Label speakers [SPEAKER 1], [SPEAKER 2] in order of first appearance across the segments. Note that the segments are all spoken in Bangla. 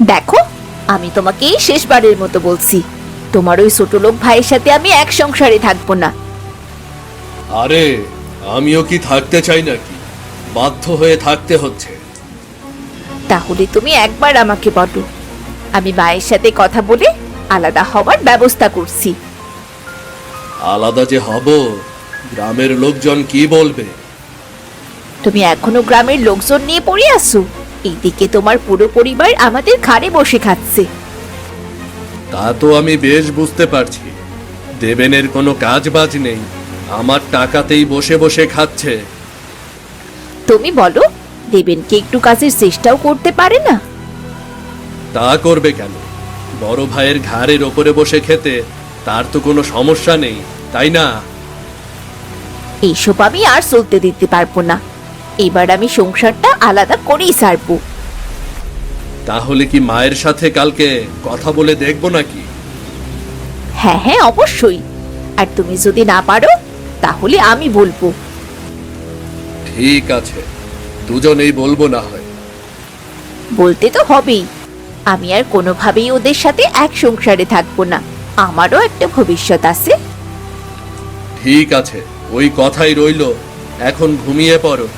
[SPEAKER 1] দেখো, আমি তোমাকে এই শেষবারের মতো বলছি, তোমার ওই ছোট লোক ভাইয়ের সাথে আমি এক সংসারে থাকবো না।
[SPEAKER 2] আরে আমিও কি থাকতে চাই নাকি? বাধ্য হয়ে থাকতে হচ্ছে।
[SPEAKER 1] তাহলে তুমি একবার আমাকে বলো, আমি মায়ের সাথে কথা বলে আলাদা হওয়ার ব্যবস্থা করছি।
[SPEAKER 2] আলাদা যে হব, গ্রামের লোকজন কি বলবে?
[SPEAKER 1] তুমি এখনো গ্রামের লোকজন নিয়ে পড়ে আসো। এইদিকে তোমার পুরো পরিবার আমাদের ঘাড়ে বসে খাচ্ছে।
[SPEAKER 2] তা তো আমি বেশ বুঝতে পারছি। দেবেনের কোনো কাজ বাজ নেই, আমার টাকাতেই বসে বসে খাচ্ছে।
[SPEAKER 1] তুমি বলো, দেবেনকে একটু কাজের চেষ্টাও করতে পারে না?
[SPEAKER 2] তা করবে কেন? বড় ভাইয়ের ঘাড়ের ওপরে বসে খেতে তার তো কোনো সমস্যা নেই, তাই না?
[SPEAKER 1] এইসব আমি আর চলতে দিতে পারবো না। এবার আমি সংসারটা আলাদা করেই ছাড়বো।
[SPEAKER 2] তাহলে কি মায়ের সাথে কালকে কথা বলে দেখবো নাকি?
[SPEAKER 1] হ্যাঁ হ্যাঁ, অবশ্যই। আর তুমি যদি না পারো তাহলে আমি বলবো।
[SPEAKER 2] ঠিক আছে, দুজনেই বলবো না হয়।
[SPEAKER 1] বলতে তো হবেই। আমি আর কোনোভাবেই ওদের সাথে এক সংসারে থাকবো না। আমারও একটা ভবিষ্যৎ আছে।
[SPEAKER 2] ঠিক আছে, ওই কথাই রইলো। এখন ঘুমিয়ে পড়ো।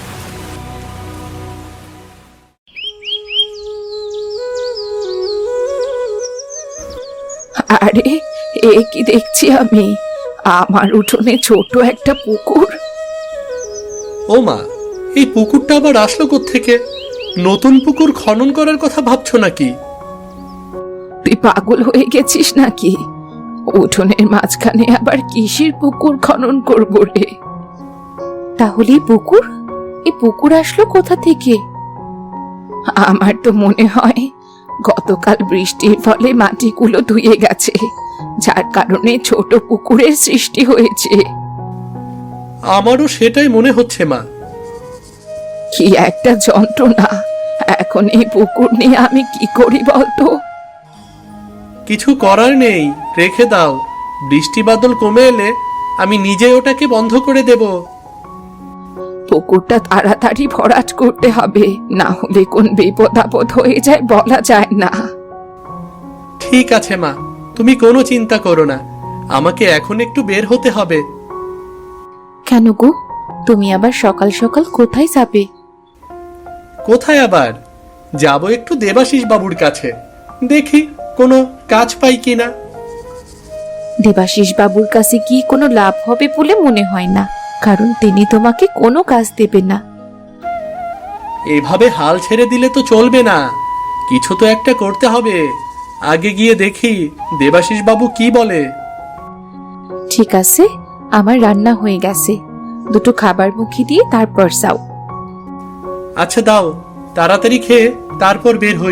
[SPEAKER 1] আরে, এ কি দেখছি আমি? আমার উঠোনে ছোট একটা পুকুর।
[SPEAKER 2] ও মা, এই পুকুরটা আবার আসলো কোত্থেকে? নতুন পুকুর খনন করার কথা ভাবছো নাকি?
[SPEAKER 1] তুই পাগল হয়ে গেছিস নাকি? উঠোনের মাঝখানে আবার কিসের পুকুর খনন করবো রে? তাহলে এই পুকুর আসলো কোথা থেকে? আমার তো মনে হয় গতকাল বৃষ্টির ফলে মাটিগুলো ধুয়ে গেছে, যার কারণে ছোট পুকুরের সৃষ্টি হয়েছে।
[SPEAKER 2] আমারও সেটাই মনে হচ্ছে মা।
[SPEAKER 1] কি একটা যন্ত্রণা! এখন এই পুকুর নিয়ে আমি কি করি বলতো?
[SPEAKER 2] কিছু করার নেই, রেখে দাও। বৃষ্টি বাদল কমে এলে আমি নিজে ওটাকে বন্ধ করে দেব।
[SPEAKER 1] পুকুরটা তাড়াতাড়ি ভরাট করতে হবে, না হলে কোন বিপদ আপদ হয়ে যায় বলা যায় না।
[SPEAKER 2] ঠিক আছে মা, তুমি কোনো চিন্তা করো না। আমাকে এখন একটু বের হতে হবে।
[SPEAKER 1] কেন গো, তুমি আবার সকাল সকাল কোথায় যাবে?
[SPEAKER 2] কোথায় আবার যাব? একটু দেবাশিস বাবুর কাছে, দেখি কোনো কাজ পাই কিনা।
[SPEAKER 1] দেবাশিস বাবুর কাছে কি কোনো লাভ হবে বলে মনে হয় না, কারণ তিনি তোমাকে কোনো কাজ দেবে না।
[SPEAKER 2] এভাবে হাল ছেড়ে দিলে তো চলবে না, কিছু তো একটা করতে হবে। আগে গিয়ে দেখি দেবাশিস বাবু কি বলে।
[SPEAKER 1] ঠিক আছে, আমার রান্না হয়ে গেছে, দুটো খাবার মুখে দিয়ে তারপর যাও।
[SPEAKER 2] আচ্ছা দাও, তাড়াতাড়ি খেয়ে তারপর বের হই।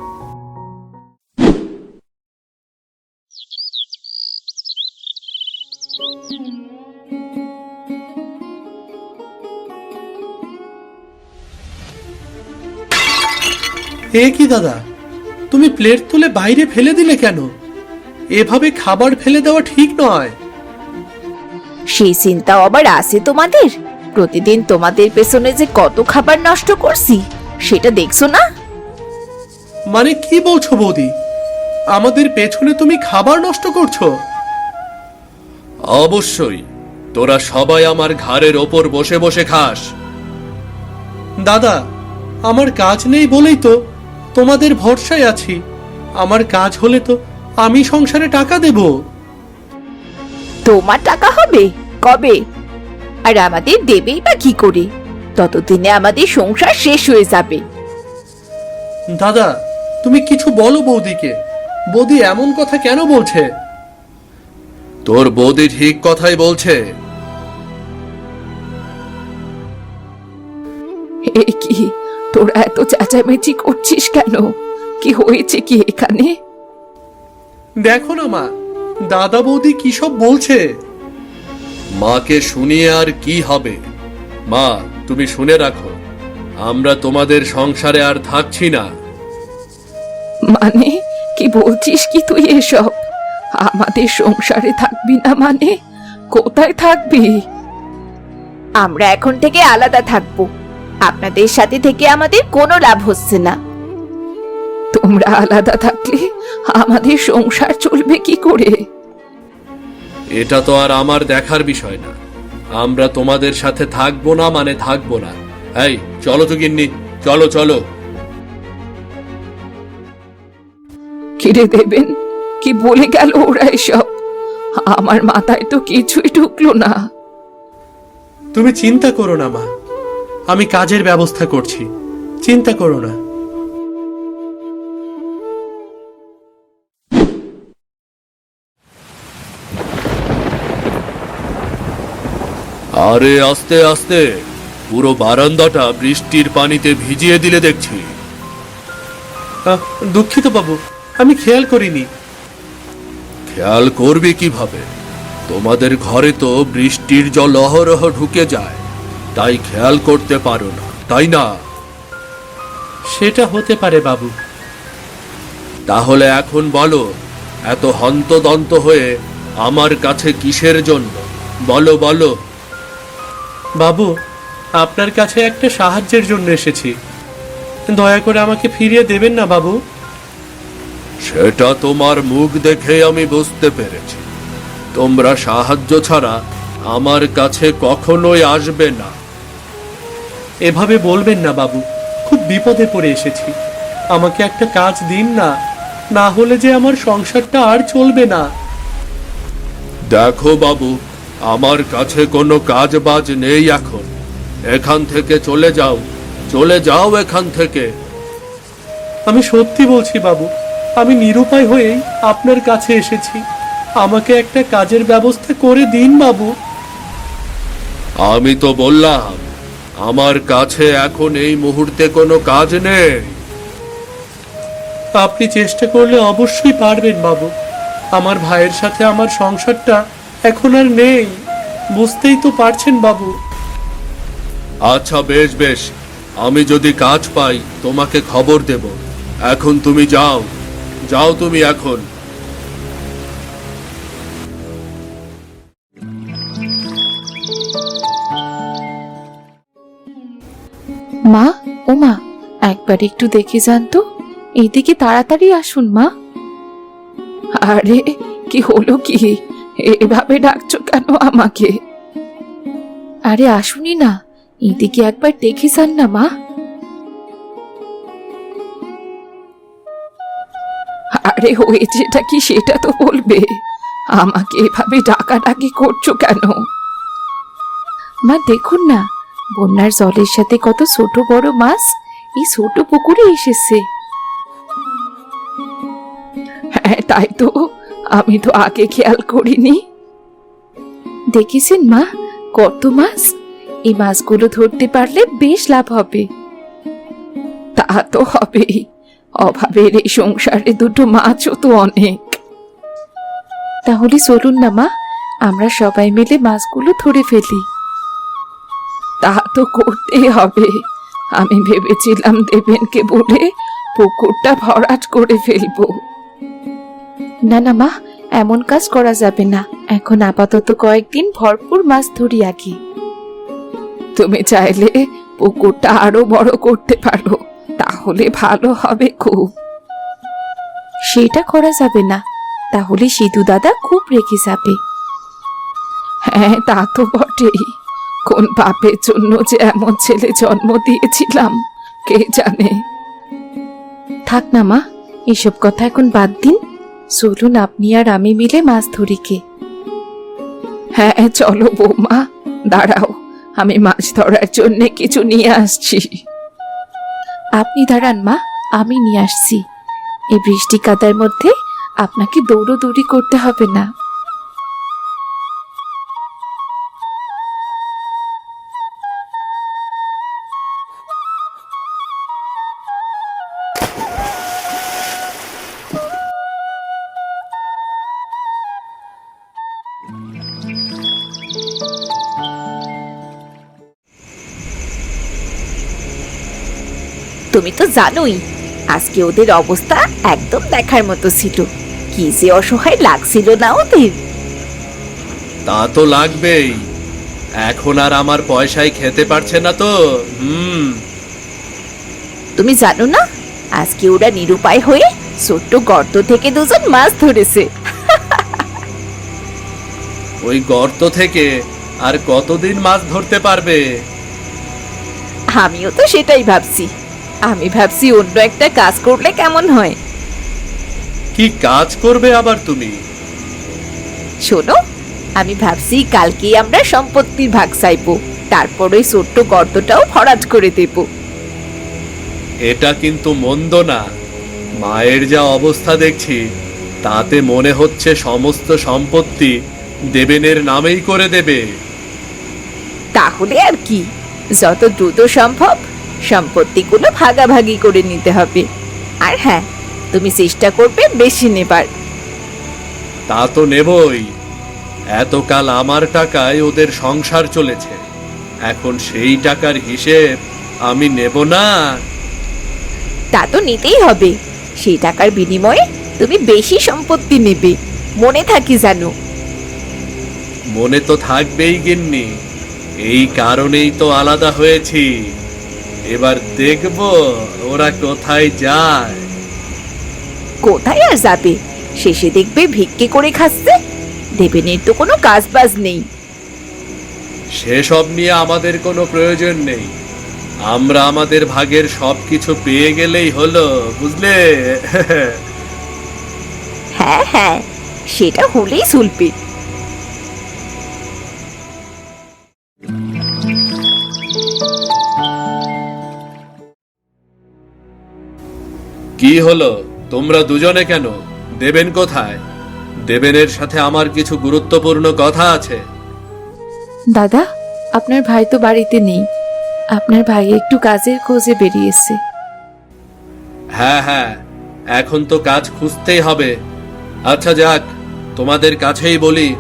[SPEAKER 2] এ কি দাদা, তুমি প্লেট তুলে বাইরে ফেলে দিলে কেন? এভাবে খাবার ফেলে দেওয়া ঠিক নয়।
[SPEAKER 1] সেই চিন্তাও আবার আছে তোমাদের? প্রতিদিন তোমাদের পেছনে যে কত খাবার নষ্ট করছি সেটা দেখছো না?
[SPEAKER 2] মানে কি বলছো বৌদি? আমাদের পেছনে তুমি খাবার নষ্ট করছো? অবশ্যই, তোরা সবাই আমার ঘাড়ের ওপর বসে বসে খাস। দাদা, আমার কাজ নেই বলেই তো তোমাদের ভরসায় আছি। আমার কাজ হলে তো আমি সংসারে টাকা দেব।
[SPEAKER 1] তোমার টাকা হবে কবে? আর আমাদের দেবেই বা কি করে? ততদিনে আমাদের সংসার শেষ হয়ে যাবে।
[SPEAKER 2] দাদা, তুমি কিছু বলো বৌদিকে। বৌদি এমন কথা কেন বলছে? তোর বৌদি ঠিক কথাই বলছে।
[SPEAKER 1] এ কি, তোরা এত চেঁচামেচি করছিস কেন? কি হয়েছে কি এখানে?
[SPEAKER 2] দেখো না মা, দাদা বৌদি কি সব বলছে। মাকে শুনিয়ে আর কি হবে? মা, তুমি শুনে রাখো, আমরা তোমাদের সংসারে আর থাকছি না।
[SPEAKER 1] মানে কি বলছিস কি তুই এসব? আমাদের সংসারে থাকবি না মানে? কোথায় থাকবি? আমরা এখন থেকে আলাদা থাকবো। আপনাদের সাথে থেকে আমাদের কোনো লাভ হচ্ছে না। তোমরা আলাদা থাকলে আমাদের সংসার চলবে কি করে?
[SPEAKER 2] এটা তো আর আমার দেখার বিষয় না। আমরা তোমাদের সাথে থাকবো না মানে থাকবো না। এই চলো তো গিন্নি, চলো চলো।
[SPEAKER 1] কিরে দেবেন, কি বলে গেল ওরা এসব? আমার মাথায় তো কিছুই ঢুকলো না।
[SPEAKER 2] তুমি চিন্তা করো না মা, আমি কাজের ব্যবস্থা করছি, চিন্তা করো না। আরে আস্তে আস্তে, পুরো বারান্দাটা বৃষ্টির পানিতে ভিজিয়ে দিলে দেখছি। দুঃখিত বাবু, আমি খেয়াল করিনি। খেয়াল করবে কিভাবে? তোমাদের ঘরে তো বৃষ্টির জল অহরহ ঢুকে যায়, তাই খেয়াল করতে পারো না, তাই না? সেটা হতে পারে বাবু। তাহলে এখন বলো, এত হন্তদন্ত হয়ে আমার কাছে কিসের জন্য? বলো বলো। বাবু, আপনার কাছে একটা সাহায্যের জন্য এসেছি, দয়া করে আমাকে ফিরিয়ে দেবেন না বাবু। সেটা তোমার মুখ দেখে আমি বুঝতে পেরেছি, তোমরা সাহায্য ছাড়া আমার কাছে কখনোই আসবে না। এভাবে বলবেন না বাবু, খুব বিপদে পড়ে এসেছি, আমাকে একটা কাজ দিন না, না হলে যে আমার সংসারটা আর চলবে না। দেখো বাবু, আমার কাছে কোনো কাজ বাজ নেই এখন, এখান থেকে চলে যাও, চলে যাও এখান থেকে। আমি সত্যি বলছি বাবু, আমি নিরুপায় হয়েই আপনার কাছে এসেছি, আমাকে একটা কাজের ব্যবস্থা করে দিন বাবু। আমি তো বললাম আমার কাছে এখন এই মুহূর্তে কোনো কাজ নেই। আপনি চেষ্টা করলে অবশ্যই পারবেন বাবু, আমার ভাইয়ের সাথে আমার সংসারটা এখন আর নেই, বুঝতেই তো পারছেন বাবু। আচ্ছা বেশ বেশ, আমি যদি কাজ পাই তোমাকে খবর দেব। এখন তুমি যাও, যাও তুমি এখন।
[SPEAKER 1] মা, ও মা, একবার একটু দেখে যান তো, এইদিকে তাড়াতাড়ি আসুন মা। আরে কি হলো কি, এভাবে ডাকছো কেন আমাকে? আরে আসুনি না, এইদিকে একবার দেখে যান না মা। আরে হয়েছেটা কি সেটা তো বলবে, আমাকে এভাবে ডাকাডাকি করছো কেন? মা দেখুন না, বন্যার জলের সাথে কত ছোট বড় মাছ এই ছোট পুকুরে এসেছে। হ্যাঁ তাই তো, আমি তো আগে খেয়াল করিনি। দেখেছেন মা, কত মাছ! এই মাছগুলো ধরতে পারলে বেশ লাভ হবে। তা তো হবেই, অভাবের এই সংসারে দুটো মাছও তো অনেক। তাহলে চলুন না মা, আমরা সবাই মিলে মাছগুলো ধরে ফেলি। তা তো করতেই হবে, আমি ভেবেছিলাম দেবেনকে বলে পুকুরটা ভরাট করে ফেলবো। না না মা, এমন কাজ করা যাবে না, এখন আপাতত কয়েকদিন ভরপুর মাছ ধরি আগে। তুমি চাইলে পুকুরটা আরো বড় করতে পারো, তাহলে ভালো হবে খুব। সেটা করা যাবে না, তাহলে সিধু দাদা খুব রেগে যাবে। হ্যাঁ তা তো বটেই, কোন পাপের জন্য যে এমন ছেলে জন্ম দিয়েছিলাম কে জানে। থাক না মা, এসব কথা এখন বাদ দিন, চলুন আপনি আর আমি মিলে মাছ ধরি কে। হ্যাঁ চলো বৌমা, দাঁড়াও, আমি মাছ ধরার জন্য কিছু নিয়ে আসছি। আপনি দাঁড়ান মা, আমি নিয়ে আসছি। এই বৃষ্টি কাদার মধ্যে আপনাকে দৌড়োদৌড়ি করতে হবে না।
[SPEAKER 3] তুমি তো জানোই আজকে ওদের অবস্থা একদম দেখার মতো ছিল, কি যে অসহায় লাগছিল না ওদের।
[SPEAKER 2] তা তো লাগবেই, এখন আর আমার পয়সায় খেতে পারছে না তো।
[SPEAKER 3] তুমি জানো না আজকে ওরা নিরুপায় হয়ে ছোট্ট গর্ত থেকে দুজন মাছ ধরেছে।
[SPEAKER 2] ওই গর্ত থেকে আর কতদিন মাছ ধরতে পারবে?
[SPEAKER 3] আমিও তো সেটাই ভাবছি। আমি ভাবছি অন্য একটা কাজ করলে কেমন হয়।
[SPEAKER 2] কি কাজ করবে আবার তুমি?
[SPEAKER 3] শোনো, আমি ভাবছি কালকেই আমরা সম্পত্তির ভাগ চাইবো, তারপর ওই ছোট্ট গর্তটাও ভরাট করে দেব।
[SPEAKER 2] এটা কিন্তু মন্দ না। মায়ের যা অবস্থা দেখছি, তাতে মনে হচ্ছে সমস্ত সম্পত্তি দেবেনের নামেই করে দেবে।
[SPEAKER 3] তাহলে আর কি, যত দ্রুত সম্ভব সম্পত্তিগুলো ভাগাভাগি করে নিতে হবে। আর হ্যাঁ, তুমি চেষ্টা করবে বেশি নেবার।
[SPEAKER 2] তা তো নেবই। এতকাল আমার টাকায় ওদের সংসার চলেছে, এখন সেই টাকার হিসেব আমি নেব না?
[SPEAKER 3] তা তো নিতেই হবে। সেই টাকার বিনিময়ে তুমি বেশি সম্পত্তি নেবে, মনে থাকি জানো।
[SPEAKER 2] মনে তো থাকবেই গিন্নি, এই কারণেই তো আলাদা হয়েছি। এবার দেখব ওরা কোথায় যায়।
[SPEAKER 3] কোথায় আর যাবে, শেষে দেখবে ভিক্ষে করে খাচ্ছে। দেবেনের তো কোনো কাজ বাজ নেই।
[SPEAKER 2] সেসব নিয়ে আমাদের কোনো প্রয়োজন নেই। আমরা আমাদের ভাগের সবকিছু পেয়ে গেলেই হলো, বুঝলে?
[SPEAKER 3] হ্যাঁ হ্যাঁ, সেটা হলেই চলবে।
[SPEAKER 2] কি হলো, তোমরা দুজনে কেন? দেবেন কোথায়? দেবেনের সাথে আমার কিছু গুরুত্বপূর্ণ কথা আছে।
[SPEAKER 1] দাদা, আপনার ভাই তো বাড়িতে নেই। আপনার ভাই একটু কাজের খোঁজে বেরিয়েছে।
[SPEAKER 2] হ্যাঁ হ্যাঁ, এখন তো কাজ খুঁজতেই হবে। আচ্ছা যাক, তোমাদের কাছেই বলি।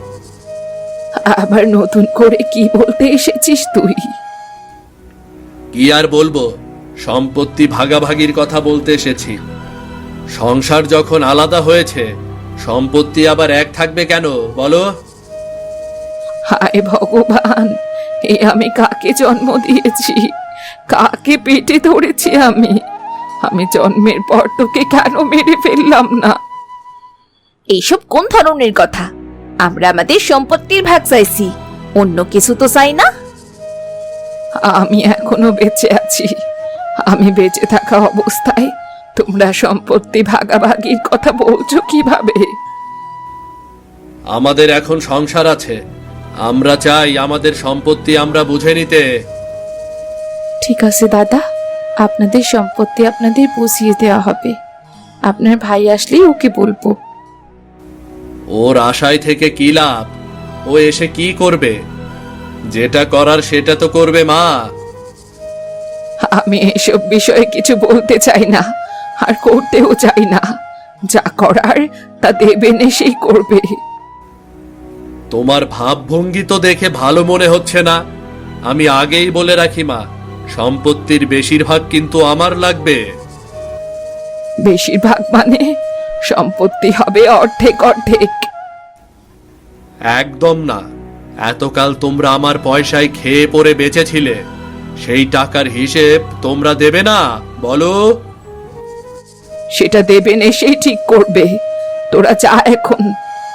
[SPEAKER 1] আবার নতুন করে কি বলতে এসেছিস তুই?
[SPEAKER 2] কি আর বলবো, সম্পত্তি ভাগাভাগির কথা বলতে এসেছি। সংসার যখন আলাদা হয়েছে, সম্পত্তি আবার এক থাকবে কেন বলো?
[SPEAKER 1] হায় ভগবান, এ আমি কাকে জন্ম দিয়েছি? কাকে পেটে ধরেছি আমি? আমি জন্মের পর তোকে কেন মেরে ফেললাম না?
[SPEAKER 3] এইসব কোন ধরনের কথা? আমরা আমাদের সম্পত্তির ভাগ চাইছি, অন্য কিছু তো চাই না।
[SPEAKER 1] আমি এখনো বেঁচে আছি। আমি বেঁচে থাকা অবস্থায় তোমরা সম্পত্তি ভাগাভাগির কথা বলছো কিভাবে?
[SPEAKER 2] আমাদের এখন সংসার আছে, আমরা চাই আমাদের সম্পত্তি আমরা বুঝে নিতে।
[SPEAKER 1] ঠিক আছে দাদা, আপনাদের সম্পত্তি আপনাদের বুঝিয়ে দেওয়া হবে। আপনার ভাই আসলেই ওকে বলবো।
[SPEAKER 2] ওর আশায় থেকে কি লাভ? ও এসে কি করবে? যেটা করার সেটা তো করবে মা।
[SPEAKER 1] আমি এসব বিষয়ে কিছু বলতে চাই না, আর করতেও চাই না। যা করার তা দেবেন এসেই করবে।
[SPEAKER 2] তোমার ভাবভঙ্গি তো দেখে ভালো মনে হচ্ছে না। আমি আগেই বলে রাখি মা, সম্পত্তির বেশিরভাগ কিন্তু আমার লাগবে।
[SPEAKER 1] বেশিরভাগ মানে সম্পত্তি হবে অর্ধেক অর্ধেক।
[SPEAKER 2] একদম না। এতকাল তোমরা আমার পয়সায় খেয়ে পরে বেঁচেছিলে, সেই টাকার হিসেব তোমরা দেবে না বলো?
[SPEAKER 1] সেটা দেবেন এসেই ঠিক করবে। তোরা যা এখন।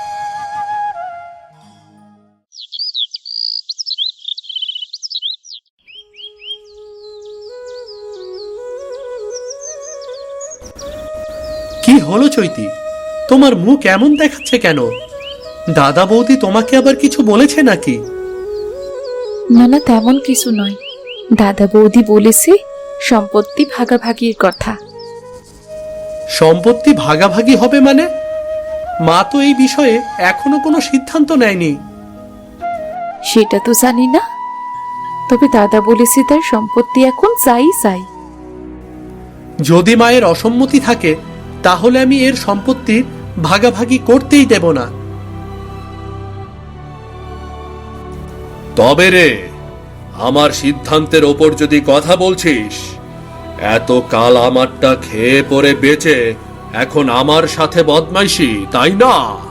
[SPEAKER 2] কি হলো চৈতি, তোমার মুখ এমন দেখাচ্ছে কেন? দাদা বৌদি তোমাকে আবার কিছু বলেছে নাকি?
[SPEAKER 1] না না, তেমন কিছু নয়। দাদা বৌদি বলেছে সম্পত্তি ভাগাভাগির কথা।
[SPEAKER 2] সম্পত্তি ভাগাভাগি হবে মানে? মা তো এই বিষয়ে এখনো কোনো সিদ্ধান্ত নেয়নি।
[SPEAKER 1] সেটা তো জানি না, তবে দাদা বলেছে তার সম্পত্তি এখন চাই চাই।
[SPEAKER 2] যদি মায়ের অসম্মতি থাকে, তাহলে আমি এর সম্পত্তির ভাগাভাগি করতেই দেব না। তবে রে, আমার সিদ্ধান্তের ওপর যদি কথা বলছিস, এত কাল আমারটা খেয়ে পরে বেঁচে এখন আমার সাথে বদমাইশি, তাই না?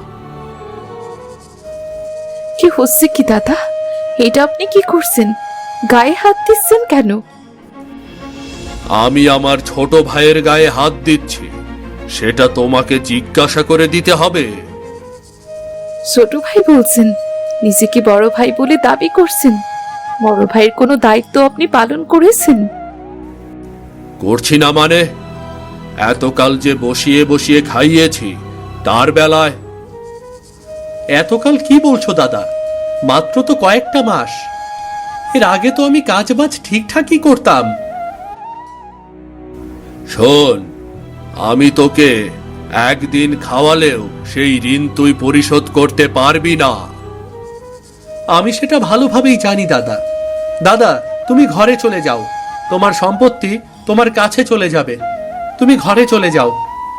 [SPEAKER 1] কি হচ্ছে কি দাদা? এটা আপনি কি করছেন? গায়ে হাত দিচ্ছেন কেন?
[SPEAKER 2] আমি আমার ছোট ভাইয়ের গায়ে হাত দিচ্ছি, সেটা তোমাকে জিজ্ঞাসা করে দিতে হবে।
[SPEAKER 1] ছোট ভাই বলছেন? নিজেকে বড় ভাই বলে দাবি করছেন? বড় ভাইয়ের কোনো দায়িত্ব আপনি পালন করেছেন?
[SPEAKER 2] করছি না মানে? এতকাল যে বসিয়ে বসিয়ে খাইয়েছি, তার বেলায়। এতকাল কি বলছো দাদা? মাত্র তো কয়েকটা মাস। এর আগে তো আমি কাজবাজ ঠিকঠাকই করতাম। শোন, আমি তোকে একদিন খাওয়ালেও সেই ঋণ তুই পরিশোধ করতে পারবি না। আমি সেটা ভালোভাবেই জানি দাদা। দাদা, তুমি ঘরে চলে যাও। তোমার সম্পত্তি তোমার কাছে চলে যাবে। তুমি ঘরে চলে যাও।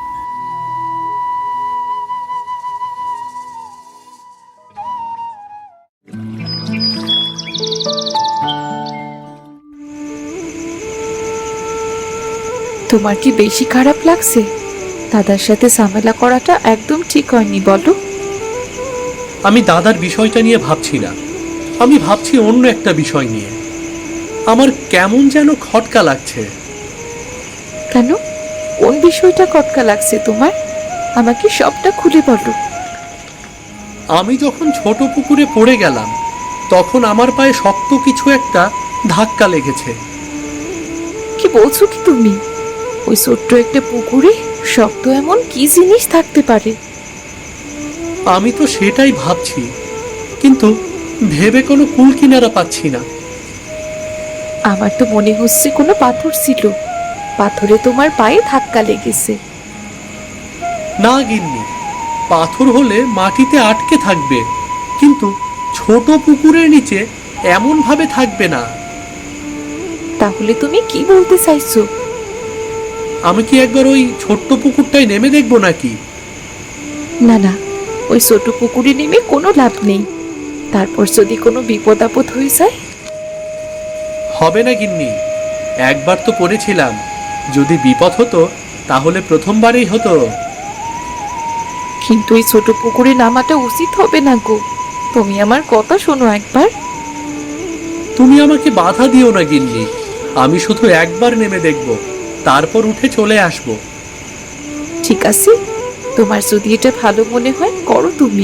[SPEAKER 1] তোমার কি বেশি খারাপ লাগছে? দাদার সাথে ঝামেলা করাটা একদম ঠিক হয়নি, বলো।
[SPEAKER 2] আমি দাদার বিষয়টা নিয়ে ভাবছি না, আমি ভাবছি অন্য একটা বিষয় নিয়ে। আমার কেমন যেন খটকা লাগছে।
[SPEAKER 1] কেন? কোন বিষয়টা খটকা লাগছে তোমার? আমাকে সবটা খুলে বলো।
[SPEAKER 2] আমি যখন ছোট পুকুরে পড়ে গেলাম, তখন আমার পায়ে শক্ত কিছু একটা ধাক্কা লেগেছে।
[SPEAKER 1] কি বলছো কি তুমি? ওই ছোট্ট একটা পুকুরে শক্ত এমন কি জিনিস থাকতে পারে?
[SPEAKER 2] আমি তো সেটাই ভাবছি, কিন্তু ভেবে কোনো কুল কিনারা পাচ্ছি না।
[SPEAKER 1] আমার তো মনে হচ্ছে কোনো পাথর ছিল, পাথরে তোমার পায়ে ধাক্কা লেগেছে।
[SPEAKER 2] না গিন্নি, পাথর হলে মাটিতে আটকে থাকবে, কিন্তু ছোট পুকুরের নিচে এমন ভাবে থাকবে না।
[SPEAKER 1] তাহলে তুমি কি বলতে চাইছো?
[SPEAKER 2] আমি কি একবার ওই ছোট্ট পুকুরটায় নেমে দেখবো নাকি?
[SPEAKER 1] না না, ওই ছোট পুকুরে নেমে কোনো লাভ নেই। তারপর যদি কোনো বিপদ আপদ হয়ে যায়?
[SPEAKER 2] হবে না গিন্নি, একবার তো পড়েছিলাম। যদি বিপদ হতো তাহলে প্রথমবারেই হতো।
[SPEAKER 1] কিন্তু এই ছোট পুকুরে নামাটা উচিত হবে না গো। তুমি আমার কথা শোনো একবার।
[SPEAKER 2] তুমি আমাকে বাধা দিও না গিন্নি, আমি শুধু একবার নেমে দেখব, তারপর উঠে চলে আসব।
[SPEAKER 1] ঠিক আছে, তোমার যদি এটা ভালো মনে হয় করো তুমি।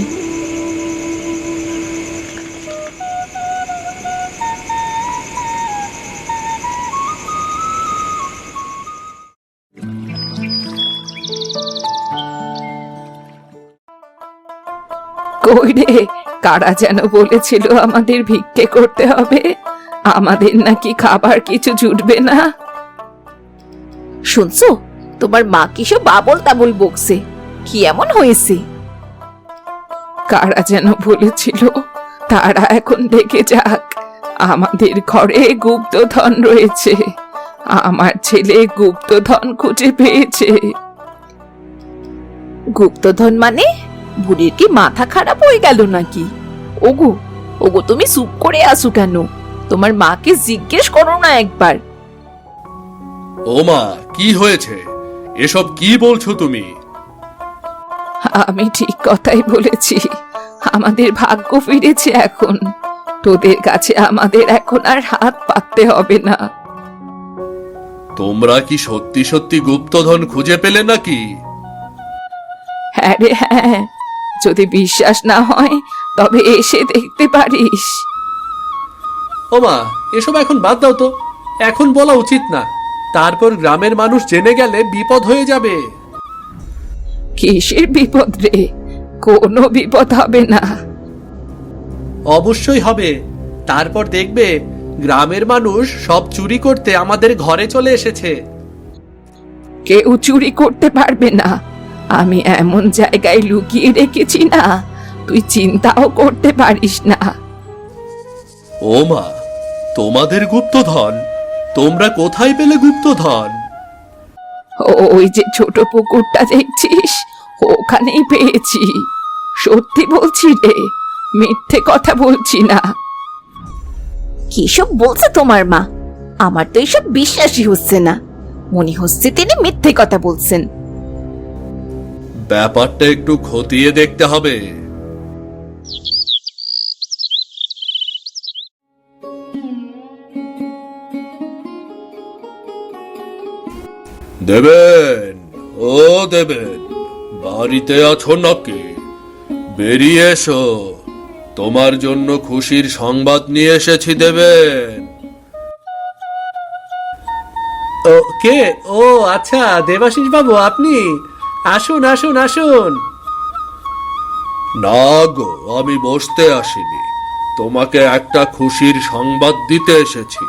[SPEAKER 1] কই রে, কারা যেন বলেছিল আমাদের ভিক্ষে করতে হবে? আমাদের নাকি খাবার কিছু জুটবে না।
[SPEAKER 3] শুনছো, তোমার মা কিসব বাবল তাবল বকছে। কি এমন হয়েছে?
[SPEAKER 1] কারা যেন বলেছিল, তারা এখন দেখে যাক। আমাদের ঘরে গুপ্তধন রয়েছে। আমার ছেলে গুপ্তধন খুঁজে পেয়েছে।
[SPEAKER 3] গুপ্তধন মানে? বুড়ির কি মাথা খারাপ হয়ে গেল নাকি? ওগো, ওগো, তুমি চুপ করে আসো কেন? তোমার মাকে জিজ্ঞেস করো না একবার।
[SPEAKER 2] ও মা, কি হয়েছে? এসব কি বলছো তুমি?
[SPEAKER 1] আমি ঠিক কথাই বলেছি। আমাদের ভাগ্য ফিরেছে এখন। তোদের কাছে আমাদের এখন আর হাত পাততে হবে না।
[SPEAKER 2] তোমরা কি সত্যি সত্যি গুপ্তধন খুঁজে পেলে নাকি?
[SPEAKER 1] হ্যাঁ রে হ্যাঁ, যদি বিশ্বাস না হয় তবে এসে দেখতে পারিস।
[SPEAKER 2] ও মা, এসব এখন বাদ দাও তো। এখন বলা উচিত না, তারপর গ্রামের মানুষ জেনে গেলে বিপদ হয়ে যাবে।
[SPEAKER 1] কিসের বিপদ রে? কোনো বিপদ হবে না।
[SPEAKER 2] অবশ্যই হবে। তারপর দেখবে গ্রামের মানুষ সব চুরি করতে আমাদের ঘরে চলে এসেছে।
[SPEAKER 1] কেউ চুরি করতে পারবে না। আমি এমন জায়গায় লুকিয়ে রেখেছি না, তুই চিন্তাও করতে পারিস না।
[SPEAKER 2] ও মা, তোমাদের গুপ্তধন? তোমরা কোথায় পেলে গুপ্তধন?
[SPEAKER 1] ওই যে ছোট পুকুরটা দেখছিস, ওখানেই পেয়েছি। সত্যি বলছি রে, মিথ্যে কথা বলছি না।
[SPEAKER 3] কিসব বলছে তোমার মা? আমার তো এসব বিশ্বাসই হচ্ছে না। মনে হচ্ছে তিনি মিথ্যে কথা বলছেন।
[SPEAKER 2] ব্যাপারটা একটু খতিয়ে দেখতে হবে। দেবেন, ও দেবেন, বাড়িতে আছো নাকি? বেরিয়ে এসো, তোমার জন্য খুশির সংবাদ নিয়ে এসেছি দেবেন। ও কে? ও আচ্ছা, দেবাশিস বাবু আপনি? আসুন আসুন আসুন। না গো, আমি বসতে আসিনি, তোমাকে একটা খুশির সংবাদ দিতে এসেছি।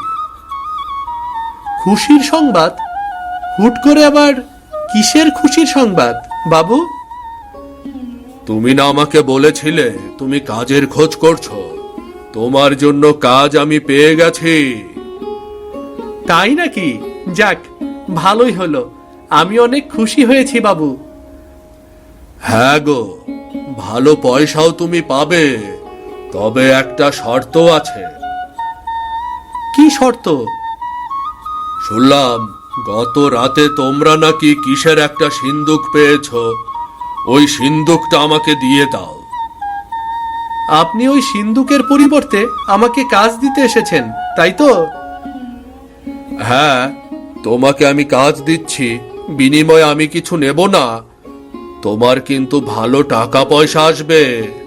[SPEAKER 2] খুশির সংবাদ? হুট করে আবার কিসের খুশির সংবাদ বাবু? তুমি না আমাকে বলেছিলে তুমি কাজের খোঁজ করছো, তোমার জন্য কাজ আমি পেয়ে গেছি। তাই নাকি? যাক, ভালোই হলো, আমি অনেক খুশি হয়েছি বাবু। হ্যাঁ গো, ভালো পয়সাও তুমি পাবে, তবে একটা শর্ত আছে। কি শর্ত? শুনলাম গত রাতে তোমরা নাকি কিসের একটা সিন্দুক পেয়েছো, ওই সিন্দুকটা আমাকে দিয়ে দাও। আপনি ওই সিন্দুকের পরিবর্তে আমাকে কাজ দিতে এসেছেন, তাই তো? হ্যাঁ, তোমাকে আমি কাজ দিচ্ছি, বিনিময়ে আমি কিছু নেব না, তোমার কিন্তু ভালো টাকা পয়সা আসবে।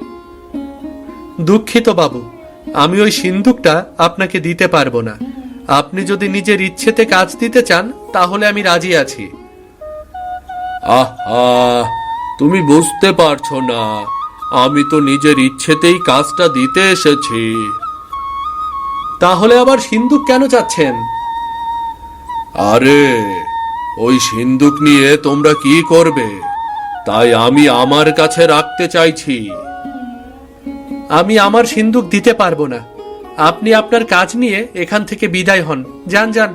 [SPEAKER 2] দুঃখিত বাবু, আমি ওই সিন্দুকটা আপনাকে দিতে পারবো না। আপনি যদি নিজের ইচ্ছেতে কাজ দিতে চান তাহলে আমি রাজি আছি। আহা, তুমি বুঝতে পারছো না, আমি তো নিজের ইচ্ছেতেই কাজটা দিতে এসেছি। তাহলে আবার সিন্দুক কেন চাচ্ছেন? আরে, ওই সিন্দুক নিয়ে তোমরা কি করবে, তাই আমি আমার কাছে রাখতে চাইছি। আমি আমার সিন্দুক দিতে পারবো না, আপনি আপনার কাজ নিয়ে এখান থেকে বিদায় হন, যান যান।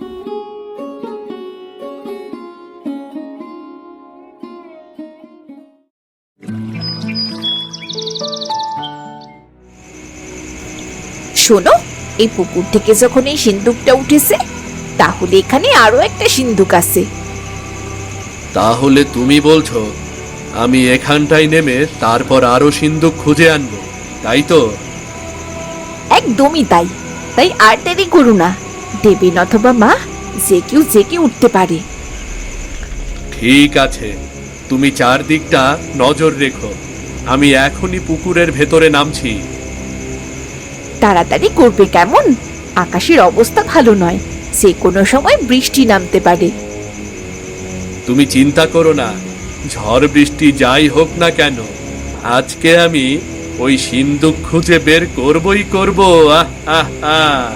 [SPEAKER 3] শোনো, এই পুকুর থেকে যখন এই সিন্দুকটা উঠেছে, তাহলে এখানে আরো একটা সিন্দুক আছে।
[SPEAKER 2] তাহলে তুমি বলছো আমি এখানটায় নেমে তারপর আরো সিন্দুক খুঁজে আনবো, তাই তো?
[SPEAKER 3] একদমই তাই। তাই আর দেরি করো না, দেবেন অথবা মা, যে কেউ জেগে উঠতে পারে।
[SPEAKER 2] ঠিক আছে, তুমি চারদিকটা নজর রেখো, আমি এখনই পুকুরের ভেতরে নামছি।
[SPEAKER 3] তাড়াতাড়ি করবে কেমন, আকাশের অবস্থা ভালো নয়, যে কোনো সময় বৃষ্টি নামতে পারে।
[SPEAKER 2] তুমি চিন্তা করো না, ঝড় বৃষ্টি যাই হোক না কেন, আজকে আমি ওই সিন্দুক খুঁজে বের করবই করব। আহ আহ আহ।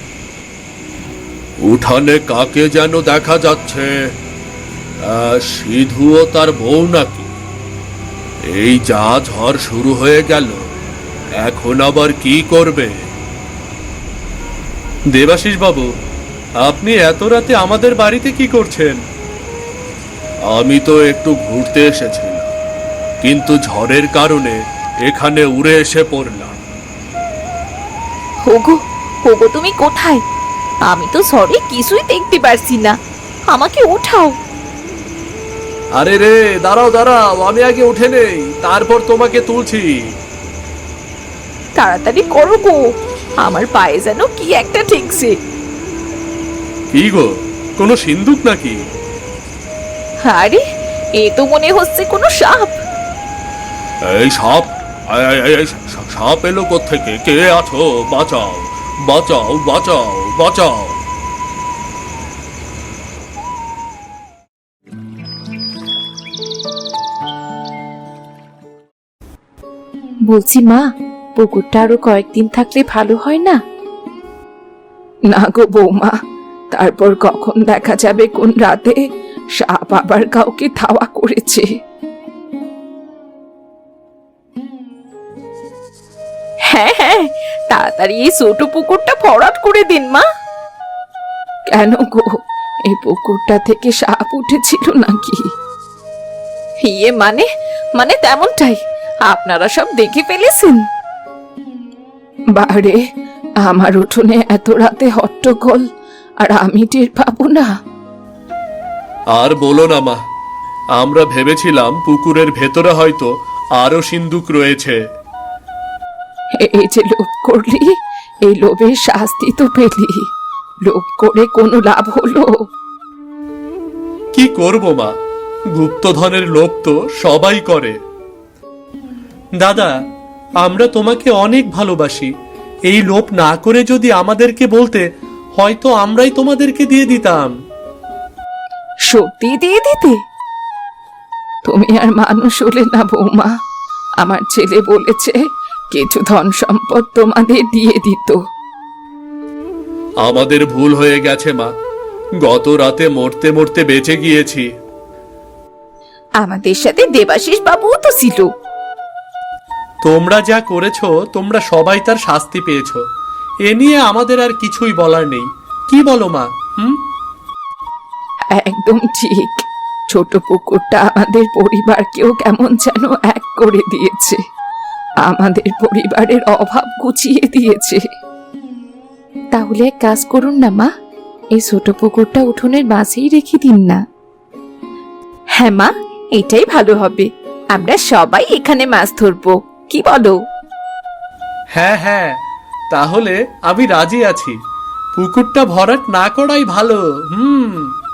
[SPEAKER 2] উঠানে কাকে যেন দেখা যাচ্ছে, সিধু ও তার বউ নাকি? এই যা ঝড় শুরু হয়ে গেল, এখন আবার কি করবে? দেবাশিস বাবু, আপনি এত রাতে আমাদের বাড়িতে কি করছেন? আমি তো একটু ঘুরতে এসেছিলাম, কিন্তু ঝড়ের কারণে এখানে উড়ে এসে পড়লাম।
[SPEAKER 3] হোগো, হোগো, তুমি কোথায়? আমি তো সরি কিছুই দেখতে পারছি না, আমাকে উঠাও।
[SPEAKER 2] আরে রে, দাঁড়াও দাঁড়াও, আমি আগে উঠে নেই, তারপর তোমাকে তুলছি।
[SPEAKER 3] তাড়াতাড়ি করো গো, আমার পায়ে যেন কি একটা ঠেকছে।
[SPEAKER 2] কি গো, কোনো সিন্দুক নাকি?
[SPEAKER 3] আরে, এ তো মনে হচ্ছে কোনো সাপ।
[SPEAKER 2] এই সাপ? সাপ এলো কোত্থেকে? কে আছো? বাঁচাও বাঁচাও বাঁচাও বাঁচাও।
[SPEAKER 1] বলছি মা, পুকুরটা আরো কয়েকদিন থাকলে ভালো হয় না? না গো বৌমা, তারপর কখন দেখা যাবে কোন রাতে সাপ আবার কাউকে ধাওয়া করেছে।
[SPEAKER 3] হ্যাঁ হ্যাঁ, তাড়াতাড়ি এই ছোট পুকুরটা ভরাট করে দিন মা।
[SPEAKER 1] কেন গো, এই পুকুরটা থেকে সাপ উঠেছিল নাকি?
[SPEAKER 3] ইয়ে মানে মানে তেমনটাই, আপনারা সব দেখে ফেলেছেন।
[SPEAKER 1] বারে, আমার উঠোনে এত রাতে হট্টগোল, আর আমি টের পাবো না?
[SPEAKER 2] আর বলো না মা, আমরা ভেবেছিলাম পুকুরের ভেতরে হয়তো আরো সিন্দুক রয়েছে।
[SPEAKER 1] এই যে লোভ করলি, এই লোভের শাস্তি তো পেলি। লোভ করে কোনো লাভ হলো?
[SPEAKER 2] কি করব মা, গুপ্তধনের লোভ তো সবাই করে। দাদা, আমরা তোমাকে অনেক ভালোবাসি। এই লোভ না করে যদি আমাদেরকে বলতে, হয়তো আমরাই তোমাদেরকে দিয়ে দিতাম।
[SPEAKER 1] সত্যি দিয়ে দিতে? তুমি আর মানুষ হলে না বৌমা। আমার ছেলে বলেছে কিছু ধন সম্পদ তোমাদের দিয়ে দিত।
[SPEAKER 2] আমাদের ভুল হয়ে গেছে মা, গত রাতে মরতে মরতে বেঁচে গিয়েছি।
[SPEAKER 3] আমাদের সাথে দেবাশিস বাবুও তো ছিল।
[SPEAKER 2] তোমরা যা করেছো, তোমরা সবাই তার শাস্তি পেয়েছো। এ নিয়ে আমাদের আর কিছুই বলার নেই। কি বলো মা?
[SPEAKER 1] একদম ঠিক। ছোট পুকুরটা আমাদের পরিবারকেও কেমন যেন এক করে দিয়েছে, আমাদের পরিবারের অভাব ঘুচিয়ে দিয়েছে। তাহলে এক কাজ করুন না মা, এই ছোট পুকুরটা উঠোনের মাঝেই রেখে দিন না।
[SPEAKER 3] হ্যাঁ মা, এটাই ভালো হবে। আমরা সবাই এখানে মাছ ধরবো, কি বলো?
[SPEAKER 2] হ্যাঁ হ্যাঁ, তাহলে আমি রাজি আছি। পুকুরটা ভরাট না করাই ভালো।